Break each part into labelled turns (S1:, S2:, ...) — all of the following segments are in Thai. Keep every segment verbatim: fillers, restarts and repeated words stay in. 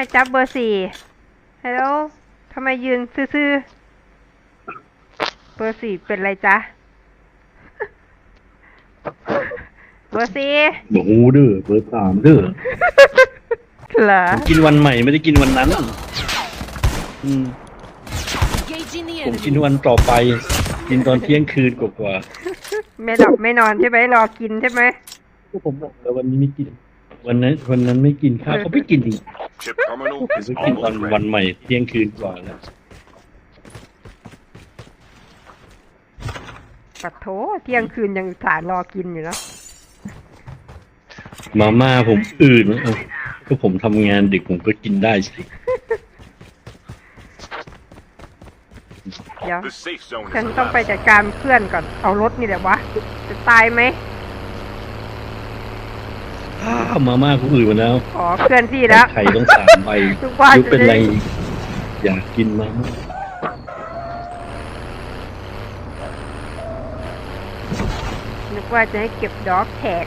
S1: จ๊บเบอร์สี่ฮัลโหลทำไมยืนซื่อๆเบอร์สี่เป็นไรจ๊ะเบอร์สี่
S2: โอ้โหเด้อเบอร์สามเด้อ
S1: เหรอ
S2: ผมกินวันใหม่ไม่ได้กินวันนั้นอืมผมกินวันต่อไป กินตอนเที่ยงคืนกว่า
S1: ๆไม่หลับไม่นอนใช่ไหมรอกินใช่ไหม
S2: ก็ผมบอกแล้ววันนี้ไม่กิน วันนั้นวันนั้นไม่กินข้าวเขาไม่กินจริงผมก็กินตอนวันใหม่เที่ยงคืนกว่าแล้ว
S1: ปัดโถเที่ยงคืนยังสารรอกินอยู่แล้ว
S2: มาม่าผมอื่นนะก็ผมทำงานดึกผมก็กินได้สิ
S1: เดี๋ยวฉันต้องไปจัดการเพื่อนก่อนเอารถนี่แหละวะจะตายไหม
S2: อ้าวมาม่าผมอื่นมาแล้ว
S1: อ๋อเพื่อนพี่แล้ว
S2: ไข่ต้องสามใบยุบเป็นไรอยากกินมาม่า
S1: นึกว่าจะให้เก็บด็อกแท็ก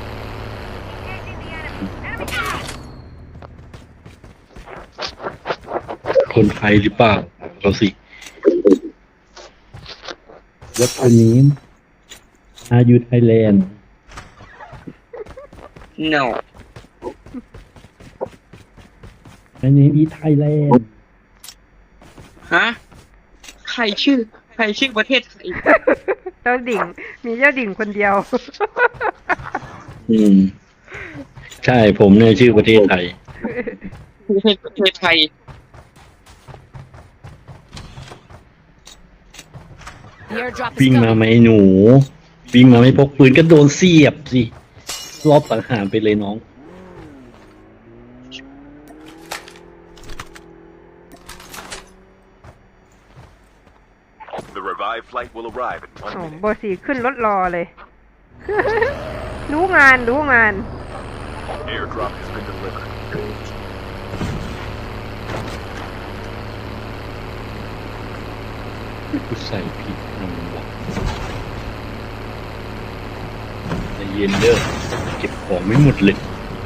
S2: คนไทยหรือเปล่าเราสิวัดตัวนี้อายุไทยแลนด์
S3: no
S2: อันนี้อีไทยแลนด์
S3: ฮะใครชื่อใครชื่อประเทศไทย
S1: เจ้าดิ่งมีเจ้าดิ่งคนเดียว
S2: อืมใช่ผมเนี่ยชื่อประเทศไทย
S3: ประเทศประเทศไทย
S2: วิ่งมาไหมหนูวิ่งมาไม่พกปืนก็โดนเสียบสิรอบสังหารไปเลยน้อง
S4: The revived flight will arrive in one minute.
S1: เบอร์สี่ขึ้นรถรอเลยรู้งานรู้งาน
S4: Airdrop has been delivered.
S2: กูใส่ผิดนังวะใจเย็นเด้อเก็บของไม่หมดเลย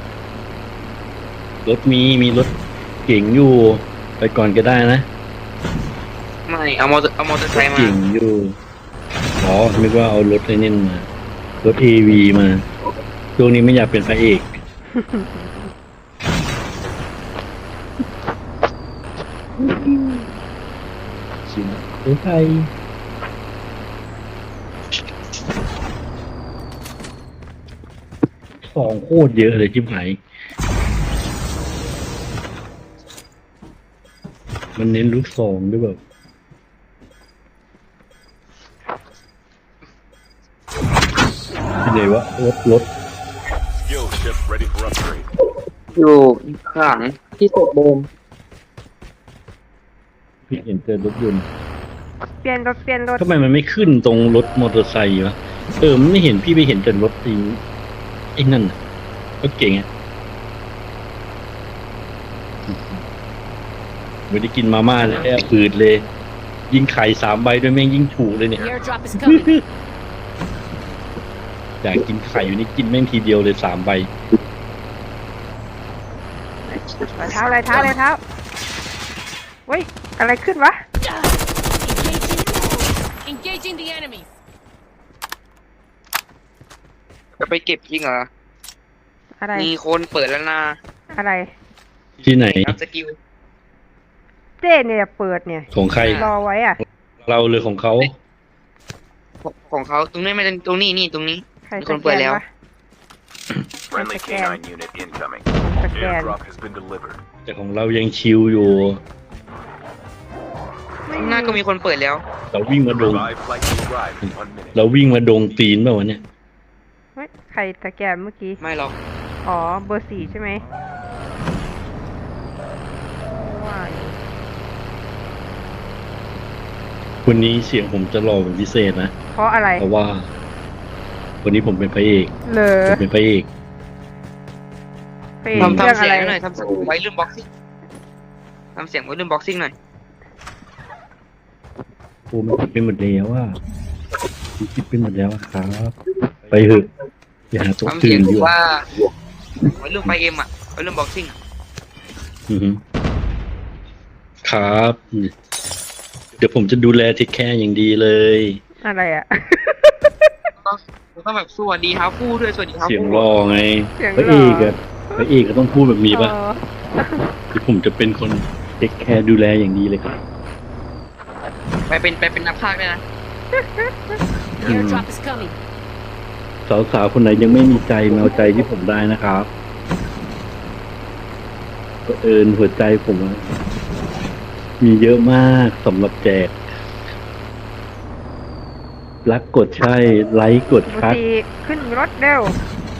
S2: รถมีมีรถเก่งอยู่ไปก่อนก็ได้นะ
S3: ไม่เอามอเตอร์เอามอเตอร์ไซค์มา
S2: เก่งอยู่อ๋อนึกว่าเอารถไอ้นี่มารถ เอ วี มาช่วงนี้ไม่อยากเป็นพระเอกสิเอ้ยไทยสองโคตรเยอะเลยชิบหายมันเน้นลูกซองด้วยแบบที่ไหนวะรถรถ
S4: Skill ship ready for upgrade.
S3: อยู่ข้างหลังที่ตกโบม
S2: พี่เห็นเจอรถยนต์
S1: เปลี่ยนรถเปลี่ยนรถ
S2: ทำไมมันไม่ขึ้นตรงรถมอเตอร์ไซค์วะเออมันไม่เห็นพี่ไปเห็นแต่รถไอ้ไอ้นั่นรถเก่งอ่ะไม่ได้กินมาม่าแล้วปืดเลยยิงไข่สามใบด้วยแม่งยิงถูกเลยเนี่ยอยากกินไข่อยู่นี่กินแม่งทีเดียวเลยสามใบ
S1: รอยเท้ารอยเท้ารอยเท้าเฮ้ยอะไรขึ้นวะ
S5: Engaging the enemy
S3: จะไปเก็บจริงเหรอ
S1: อะไร
S3: มีคนเปิดแล้วนะ
S1: อะไร
S2: ที่ไหน
S3: สกิล
S1: เจ้เนี่ยเปิดเนี่ย
S2: ของใคร
S1: รอไว้อ่ะ
S2: เราเลยของเขา
S3: ของเขาตรงนี้ไม่ใช่ตรงนี้นี่ตรงนี้มีคนเปิดแล้ว
S4: Friendly เค ไนน์ unit incoming. Airdrop has been delivered.
S2: แต่ของเรายังชิวอยู่
S3: หน้าก็มีคนเปิดแล้ว
S2: เราวิ่งมา
S4: The
S2: ดง
S4: revived flight will arrive in one minute.
S2: เราวิ่งมาดงตีนเปล่าวะเนี่ย
S1: เฮ้ยใครตะแกนเมื่อกี้
S3: ไม่หรอก
S1: อ๋อเบอร์สี่ใช่ไหมว้าว
S2: วันนี้เสียงผมจะหล่อเป็นพิเศษนะ
S1: เพราะอะไร
S2: เพราะว่าวันนี้ผมเป็นพระเอก
S1: เลย
S2: ผมเป็นพระเอก
S3: ทำทำเสียงหน่อยทำเสียงไว้รุ่นบ็อกซิ่งทำเสียงไว้รุ่นบ็อกซิ่งหน่อย
S2: โอ้มันคิดเป็นหมดแล้วว่าคิดเป็นหมดแล้วครับไปเถอะอย่าหาตัวตื่นอยู่
S3: ว่าไว้รุ่นไฟเอ็มอ่ะไว้รุ่นบ็อกซิ่ง
S2: อือฮึครับ เดี๋ยวผมจะดูแลเทคแคร์อย่างดีเลย
S1: อะไรอ่ะ
S3: ก็ต้องแบบสวัสดีครับผู้ด้วยสวัสดีครับ
S2: เสียง
S3: ผู้
S2: รอไง
S1: เสียง
S2: พระ
S1: หล่
S2: เอ
S1: อ
S2: กอะพระเอกก็ต้องพูดแบบนี้ป่ะ
S1: เออ
S2: เดี๋ยวผมจะเป็นคนเทคแคร์ดูแลอย่างดีเลยครับ
S3: ไปเป็นไปเป็นนักพากย์ด้วยนะ
S5: Airdrop is coming.
S2: สาวๆคนไหนยังไม่มีใจมาเอาใจที่ผมได้นะครับเผอิญหัวใจผมอะมีเยอะมากสำหรับแจก รักกดใช่ ไลค์กด
S1: บุ
S2: คัด
S1: ตรีขึ้นรถเร็ว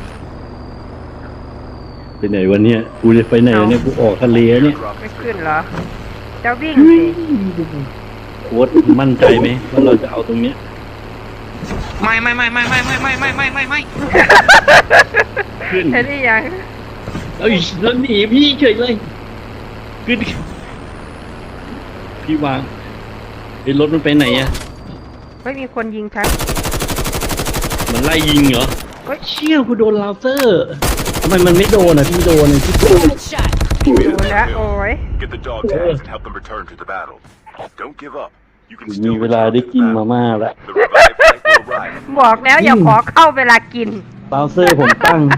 S2: ไปไหนวันเนี้ยกูจะไปไหนวะเนี่ยกูออกทะเลเนี่ย
S4: Airdrop
S1: ไม่
S4: is
S1: ขึ้น
S4: ready.
S1: เหรอ จะวิ่ง
S2: เฮ้
S1: สิ
S2: ยโค้ดมั่นใจไหมว่าเราจะเอาตรงเนี้ย
S3: ไม่ไม่ไม่ไม่ไม่ไม่ไม่ไม่ไม่ไม่ไม่
S2: ขึ้น
S1: เห็นหรือยัง
S2: เอ้ยแล้วหนีพี่เฉยเลยขึ้นพี่วางไอ้รถมันไปไหนอะ
S1: ไม่มีคนยิงฉัน
S2: มันไล่ยิงเหรอ
S1: เฮ้ย
S2: เชี่ยกูโดนลาวเซอร์ทำไมมันไม่โดนอ่ะพี่โดนเลยพี่โดน
S5: Headshot.
S1: ดูแล้วโอ้ย
S4: Get the dog tags and help them return to the battle. Don't give up. You can
S2: มี
S4: still
S2: เวลา
S4: return
S2: ได้
S4: to
S2: กิน
S4: the
S2: มา
S4: battle.
S2: ม่าแล้ว
S4: The revived flight will arrive.
S1: บอกแล้วอย่าขอเข้าเวลากิน
S2: ลาวเซอร์ผมตั้ง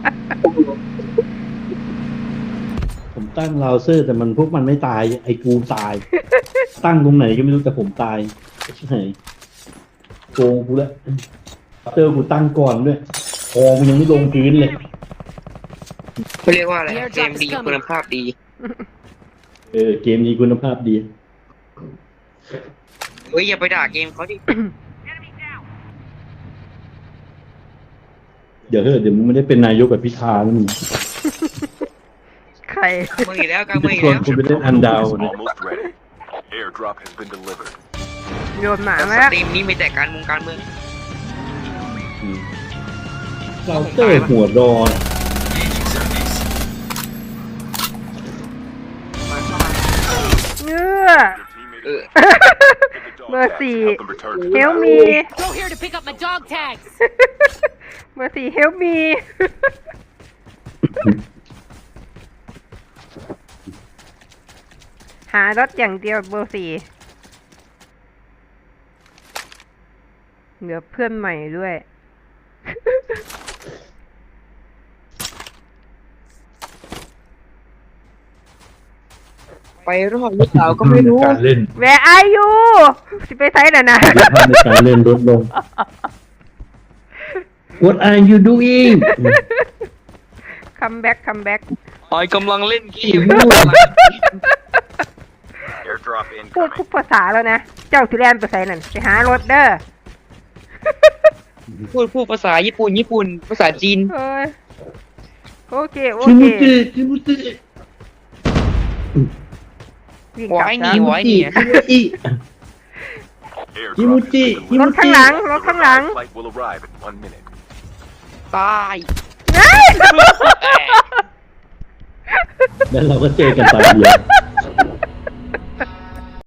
S2: ผมตั้งลาวเซอร์แต่มันพวกมันไม่ตาย ไอ้กูตาย ตั้งตรงไหนก็ไม่รู้แต่ผมตายใช่ไหมโกงกูแล้วลาวเซอร์กูตั้งก่อนด้วยคอมันยังไม่ลงพื้นเลย
S3: เขาเรียกว่าอะไรเกมดีคุณภาพดี
S2: เออเกมนี้คุณภาพดี
S3: เฮ้ยอย่าไปด่าเกมเขาดิ
S2: เดี๋ยวเถอะเดี๋ยวมึงไม่ได้เป็นนายกแบบพิธาแล้วมึง
S1: ใคร
S3: มืออีกแล้วกันมืออีก
S2: ชวน
S3: แล้ว
S2: คุณไปเล่นอันดาว
S4: Is
S2: นะ
S4: almost ready. Airdrop has been delivered.
S1: โยนหมา
S3: ส
S1: มาแล้ว
S3: ตรีมนี้มีแต่การเมืองการเมือง
S2: อืมลาวเซอร์หัวดอน
S1: เนื้อ
S3: เออ
S4: Get the dog tags and
S1: Mercy.
S4: help them return to the
S1: เฮล
S4: battle.
S1: มี
S5: Go here to pick up my dog tags.
S1: เบอร์สี่เฮลมี หารถอย่างเดียวเบอร์สี่เหลือเพื่อนใหม่ด้วย
S3: ไปรอดหรือเปล่าก็ไม่รู้
S2: การเล่น
S1: Where are you สิไปไซส์น่ะนะ
S2: คุณภาพในการเล่นลดลง What are you doing
S1: คัมแบ็กคัมแบ็ก
S3: ออยกำลังเล่นเกม
S4: Airdrop
S1: พูด
S4: incoming.
S1: ทุกภาษาแล้วนะ เจ้าสิแลนไปไซส์นั่นไปหารถเด้อ
S3: พูดพูดภาษาญี่ปุ่นญี่ปุ่นภาษาจีน
S1: เอ้ยโอเคโอ
S2: ชิ
S1: เค
S2: มุจิชิมุจิ
S1: วิ่ง
S3: หัว
S1: กลับ
S3: ไอ้ห
S1: จ้า
S3: นีหัวไอ้หนี
S2: ชิมุจิ
S4: Airdrop
S2: Kimuchi,
S4: has been
S1: รถ
S4: delivered.
S1: ข้างหลัง รถ
S4: The
S1: ข้างหลัง
S4: revived flight will arrive in one minute.
S3: ตาย
S1: เฮ้ย
S2: แล้วเราก็เจอกันตอนเดียว